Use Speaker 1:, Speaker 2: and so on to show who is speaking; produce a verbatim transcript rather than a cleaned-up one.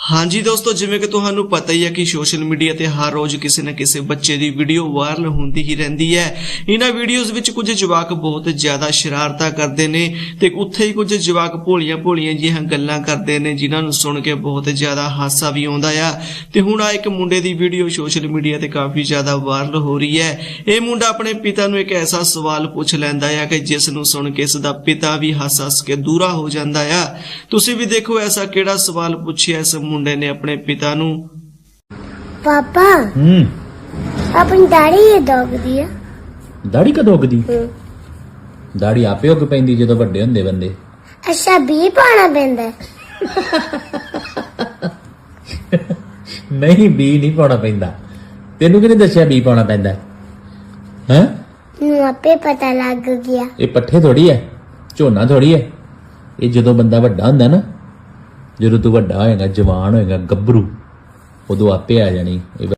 Speaker 1: हाँ जी दोस्तों, जिवें कि तुहानू पता ही है कि सोशल मीडिया ते हर रोज किसी न किसी बच्चे की वीडियो वायरल होंदी ही रहिंदी है। इन्हां वीडियोज़ विच कुछ जवाक बहुत ज्यादा शरारतां करदे ने ते उत्थे ही कुछ जवाक भोलियां भोलियां जिहियां गल्लां करदे ने जिन्हां नूं सुण के बहुत ज्यादा हासा भी आउंदा आ। ते हुण आ एक मुंडे दी वीडियो सोशल मीडिया ते काफी ज्यादा वायरल हो रही है। यह मुंडा अपने पिता नूं एक ऐसा सवाल पुछ लैंदा आ कि जिस नूं सुण के इसदा पिता भी हस हस के दूरा हो जांदा आ। तुसीं भी देखो ऐसा किहड़ा सवाल पुछिया इस मुंडे ने अपने पिता नूं।
Speaker 2: पापा
Speaker 3: हम्म
Speaker 2: अपनी दाढ़ी ये दोग दिया
Speaker 3: दाढ़ी कदों उगदी? दाढ़ी आपे उग पैंदी जदों वड्डे हुंदे बंदे।
Speaker 2: अच्छा बी पाना पैंदा है?
Speaker 3: नहीं बी नहीं पाउणा पैंदा। तेनू किहने दस्सिया बी पाउणा पैंदा है?
Speaker 2: नूं आपे पता लग गया।
Speaker 3: ये पट्ठे थोड़ी है, झोना थोड़ी है। ये जदों बंदा वड्डा हुंदा ना, ਜਦੋਂ ਤੂੰ ਵੱਡਾ ਹੋਏਗਾ, ਜਵਾਨ ਹੋਏਗਾ, ਗੱਭਰੂ, ਉਦੋਂ ਆਪੇ ਆ ਜਾਣੀ।